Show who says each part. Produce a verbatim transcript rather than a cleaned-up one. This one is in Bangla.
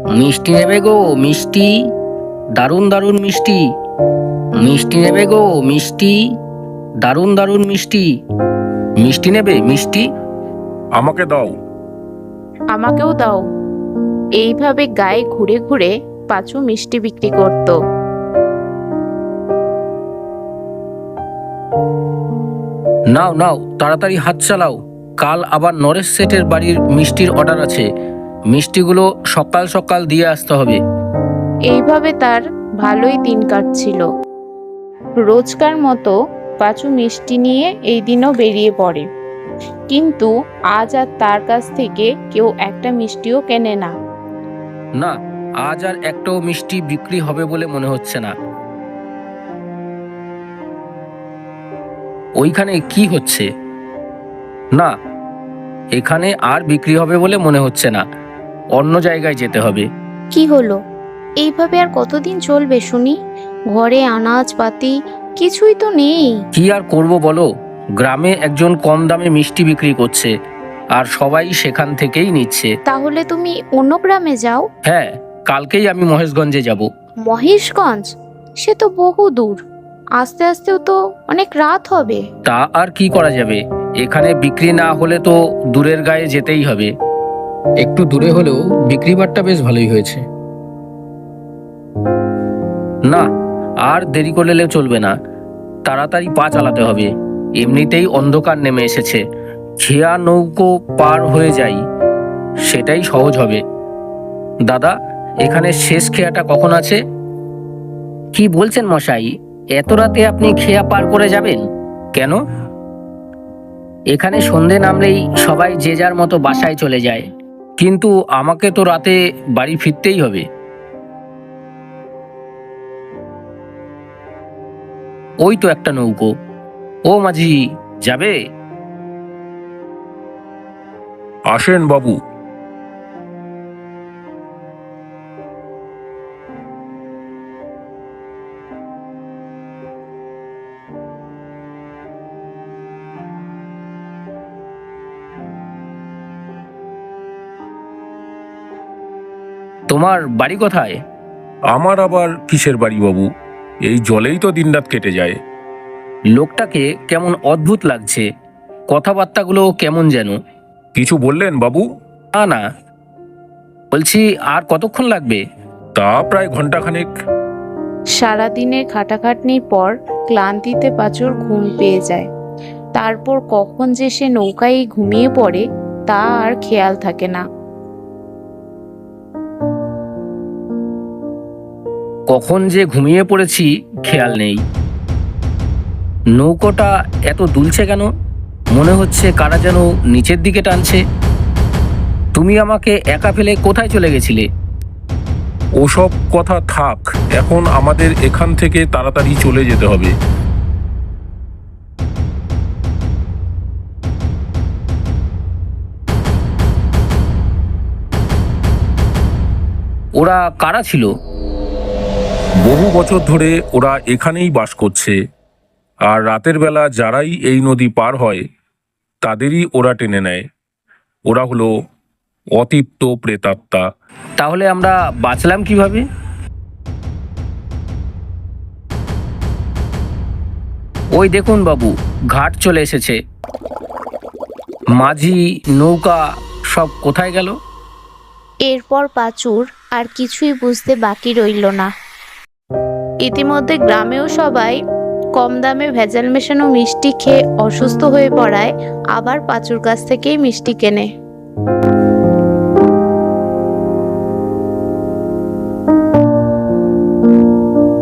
Speaker 1: মিষ্টি নেবে গো মিষ্টি, দারুণ দারুণ মিষ্টি। মিষ্টি নেবে গো মিষ্টি, দারুণ দারুণ মিষ্টি। মিষ্টি নেবে মিষ্টি?
Speaker 2: আমাকে দাও।
Speaker 3: আমাকেও দাও। এইভাবে গায়ে ঘুরে ঘুরে পাঁচু মিষ্টি বিক্রি করত।
Speaker 1: নাও নাও, তাড়াতাড়ি হাত চালাও, কাল আবার নরেশ সেটের বাড়ির মিষ্টির অর্ডার আছে। মিষ্টিগুলো সকাল সকাল দিয়ে আসতে হবে।
Speaker 3: এইভাবে তার ভালোই দিন কাটছিল। রোজকার মতো পাঁচু মিষ্টি নিয়ে এই দিনও বেরিয়ে পড়ে, কিন্তু আজ আর তার কাছ থেকে কেউ একটা মিষ্টিও কেনে না।
Speaker 1: না, আজ আর একটাও মিষ্টি বিক্রি হবে বলে মনে হচ্ছে না। ওইখানে কি হচ্ছে? না, এখানে আর বিক্রি হবে বলে মনে হচ্ছে না। অন্য জায়গায় যেতে হবে।
Speaker 4: কি হলো? এইভাবে আর কতদিন চলবে শুনি? ঘরে আনাজপাতি কিছুই তো নেই।
Speaker 1: কি আর করব বলো, গ্রামে একজন কম দামে মিষ্টি বিক্রি করছে, আর সবাই সেখান থেকেই নিচ্ছে।
Speaker 4: তাহলে তুমি অন্য গ্রামে যাও।
Speaker 1: হ্যাঁ, কালকেই আমি মহেশগঞ্জে যাব।
Speaker 4: মহেশগঞ্জ? সে তো বহু দূর, আস্তে আস্তেও তো অনেক রাত হবে।
Speaker 1: তা আর কি করা যাবে, এখানে বিক্রি না হলে তো দূরের গায়ে যেতেই হবে। একটু দূরে হলেও বিক্রি বাট্টা বেশ ভালোই হয়েছে। না, আর দেরি করলে চলবে না, তাড়াতাড়ি পা চালাতে হবে। এমনিতেই অন্ধকার নেমে এসেছে। খেয়া নৌকো পার হয়ে যাই, সেটাই সহজ হবে। দাদা, এখানে শেষ খেয়াটা কখন আছে? কি বলছেন মশাই, এত রাতে আপনি খেয়া পার করে যাবেন কেন? এখানে সন্ধে নামলেই সবাই যে যার মতো বাসায় চলে যায়, কিন্তু আমাকে তো রাতে বাড়ি ফিরতেই হবে। ওই তো একটা নৌকো। ও মাঝি, যাবে?
Speaker 2: আসেন বাবু।
Speaker 1: তোমার বাড়ি কোথায়?
Speaker 2: আমার আবার কিসের বাড়ি বাবু, এই জলেই তো দিনরাত কেটে যায়।
Speaker 1: লোকটাকে কেমন অদ্ভুত লাগছে, কথাবার্তাগুলো কেমন যেন।
Speaker 2: কিছু বললেন বাবু?
Speaker 1: না না, বলছি আর কতক্ষণ লাগবে?
Speaker 2: তা প্রায় ঘন্টাখানেক।
Speaker 3: সারাদিনের খাটাখাটনির পর ক্লান্তিতে পাঁচুর ঘুম পেয়ে যায়। তারপর কখন যে সে নৌকায় ঘুমিয়ে পড়ে তা আর খেয়াল থাকে না।
Speaker 1: কখন যে ঘুমিয়ে পড়েছি খেয়াল নেই। নৌকোটা এত দুলছে কেন? মনে হচ্ছে কারা যেন নিচের দিকে টানছে। তুমি আমাকে একা ফেলে কোথায় চলে গেছিলে?
Speaker 2: ওসব কথা থাক, এখন আমাদের এখান থেকে তাড়াতাড়ি চলে যেতে হবে।
Speaker 1: ওরা কারা ছিল?
Speaker 2: বহু বছর ধরে ওরা এখানেই বাস করছে, আর রাতের বেলা যারাই এই নদী পার হয় তাদেরই ওরা টেনে নেয়। ওরা হলো অতৃপ্ত প্রেতাত্মা।
Speaker 1: তাহলে আমরা বাঁচলাম কিভাবে? ওই দেখুন বাবু, ঘাট চলে এসেছে। মাঝি, নৌকা সব কোথায় গেল?
Speaker 4: এরপর পাঁচুর আর কিছুই বুঝতে বাকি রইল না।
Speaker 3: ইতিমধ্যে গ্রামেও সবাই কম দামে ভেজাল মেশানো মিষ্টি খেয়ে অসুস্থ হয়ে পড়ায় আবার পাঁচুর কাছ থেকেই মিষ্টি কেনে।